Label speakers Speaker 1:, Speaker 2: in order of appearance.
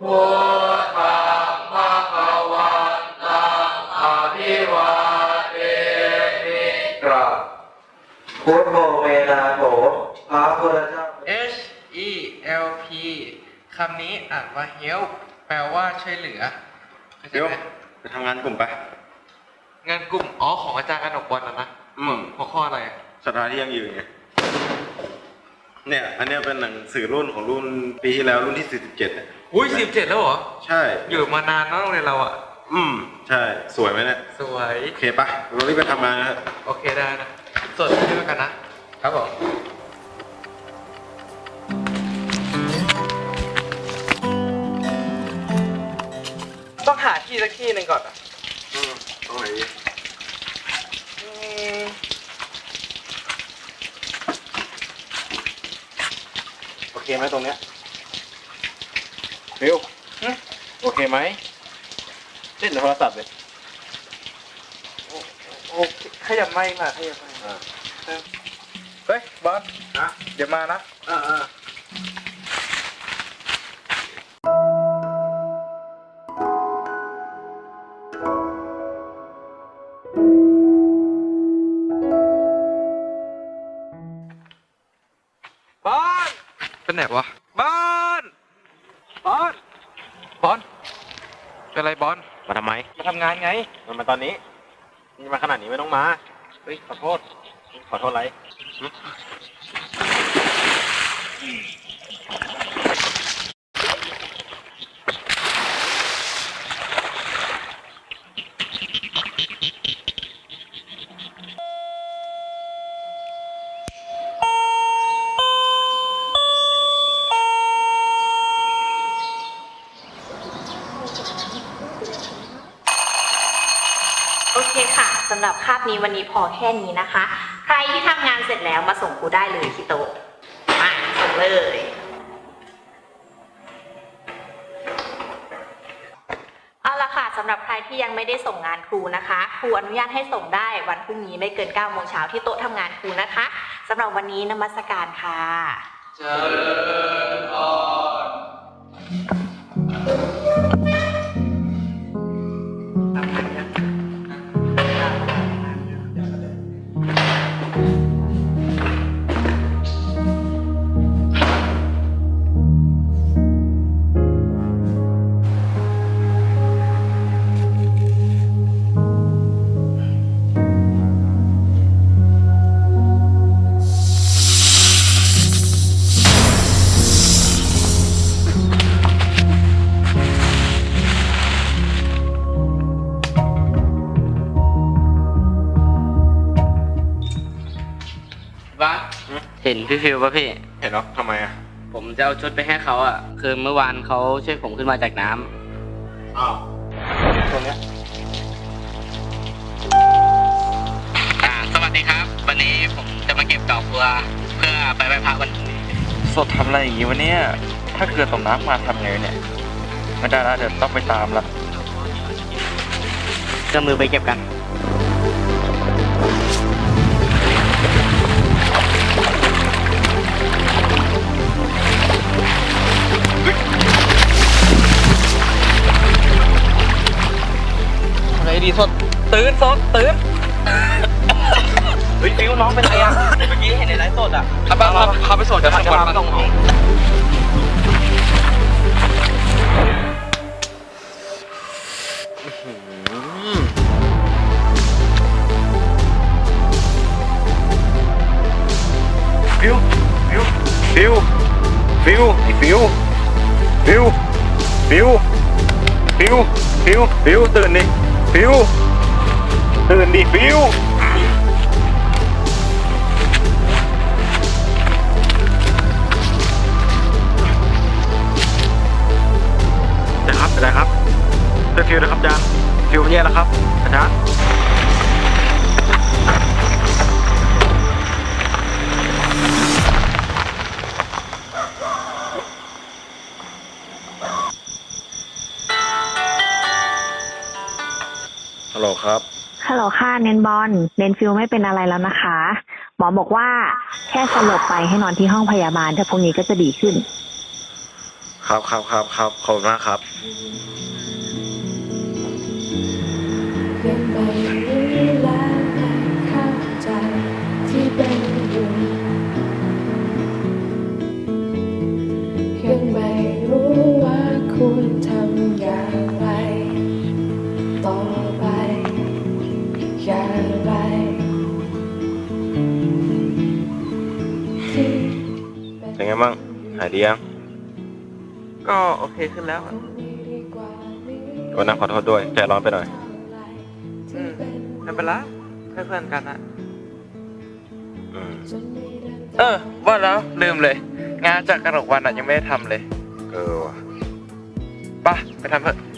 Speaker 1: พุทธังภคะวันตังอะภิวาเทมิกราบพุทโธเวนาโถพระพุทธเจ้า
Speaker 2: H E L P คำนี้อ่านว่า help แปลว่าช่วยเหลือ
Speaker 3: เดี๋ยว
Speaker 2: เข้าใจไหม
Speaker 3: ไปทำงานกลุ่มไป
Speaker 2: งานกลุ่มของอาจารย์กนกวันนะหัวข้ออะไรอะ
Speaker 3: สถานที่ยังยืนไงเนี่ยอันเนี้ยเป็นหนังสือรุ่นของรุ่นปีที่แล้วรุ่นที่47เนี่ย
Speaker 2: อุ้ย17แล้วเหรอ
Speaker 3: ใช่
Speaker 2: อยู่มานานเนอะโรงเรียนเราอ่ะ
Speaker 3: ใช่สวยไหมเนี่ย
Speaker 2: สวย
Speaker 3: โอเคปะเรารีบไปทำงานนะฮะ
Speaker 2: โอเคได้นะสดด้วยกันนะครับผมต้องหาที่สักที่หนึ่งก่อนอ่ะ
Speaker 3: ตรงไหนดี
Speaker 2: อืม
Speaker 3: โอเคไหมตรงเนี้ยฟิวโอเคไหมเล่นโทรศัพท์เลย
Speaker 2: โอเคขยับไม่มาขยับไม่เฮ้ยบอส
Speaker 3: นะ
Speaker 2: เดี๋ยวมานะ บอลเป็นไหนวะบอลบอลบอลเป็นไรบอล
Speaker 3: มาทำไม
Speaker 2: มาทำงานไง
Speaker 3: มันมาตอนนี้นี่มาขนาดนี้ไม่ต้องมา
Speaker 2: เฮ้ยขอโทษ
Speaker 3: ขอโทษอะไร
Speaker 4: โอเคค่ะสำหรับคาบนี้วันนี้พอแค่นี้นะคะ ใครที่ทำงานเสร็จแล้วมาส่งครูได้เลยที่โต๊ะมาส่งเลยเอาละค่ะสำหรับใครที่ยังไม่ได้ส่งงานครูนะคะครูอนุญาตให้ส่งได้วันพรุ่งนี้ไม่เกิน 9 โมงเช้าที่โต๊ะทำงานครูนะคะสำหรับวันนี้นมัสการค่ะ
Speaker 2: เจริญพรทำงานยังบ้า
Speaker 5: เห็นพี่ฟิวป่ะพี่
Speaker 3: เห็นหรอทำไมอ่ะ
Speaker 5: ผมจะเอาชุดไปให้เขาอ่ะ คือเมื่อวานเขาช่วยผมขึ้นมาจากน้ำ
Speaker 3: อ้าวตรงเนี้ย
Speaker 5: สวัสดีครับ วันนี้ผมจะมาเก็บดอกบัวเพื่อไปไหว้พระวันพรุ่งนี้
Speaker 6: สดทำอะไรอย่างงี้วะเนี่ย ถ้าเกิดตกน้ำมาทำไงเนี่ย ไม่ได้แล้วเดี๋ยวต้องไปตามละ
Speaker 5: เครื่องมือไปเก็บกัน
Speaker 2: อะไรดีสดตื่นสดตื่น
Speaker 5: เฮ้ยฟิวน้องเป็นไรอ่ะ เมื่อกี้เห็นในไลฟ์สดอ่ะ
Speaker 2: พาไปสดเดี๋ยวก่อนมาส่งห้อง
Speaker 3: ฟิวฟิวฟิวฟิวไอ้ฟิวฟิวฟิวฟิวฟิวฟิวตื่นดิฟิวตื่นดิฟิวนะครับเป็นไรครับเป็นฟิวนะครับอาจารย์ฟิวแย่แล้วครับอาจารย์ ฮัลโหลครับ
Speaker 4: ฮัลโหลค่ะเนนบอลเนนฟิลไม่เป็นอะไรแล้วนะคะ หมอบอกว่าแค่สลบไปให้นอนที่ห้องพยาบาลแต่พรุ่งนี้ก็จะดีขึ้น
Speaker 3: คครับขอบคุณมากครับ
Speaker 7: ยังไม่รู้และไม่เข้าใจที่เป็นอยู่ยังไม่รู้ว่าควรทำอย่างไรต่อไปอย่างไรที่
Speaker 3: เป็นไงบ้างหายดียัง
Speaker 2: ก็โอเคขึ้นแล้วอะ
Speaker 3: วันนั้นขอโทษด้วยใจร้อนไปหน่อย
Speaker 2: ไม่เป็นไรเพื่อนๆกันนะ
Speaker 3: อืม
Speaker 6: ว่าแล้วลืมเลย งานจากกระหนกวันยังไม่ได้ทำเลย
Speaker 3: ว่ะ
Speaker 6: ไปทำเถอะ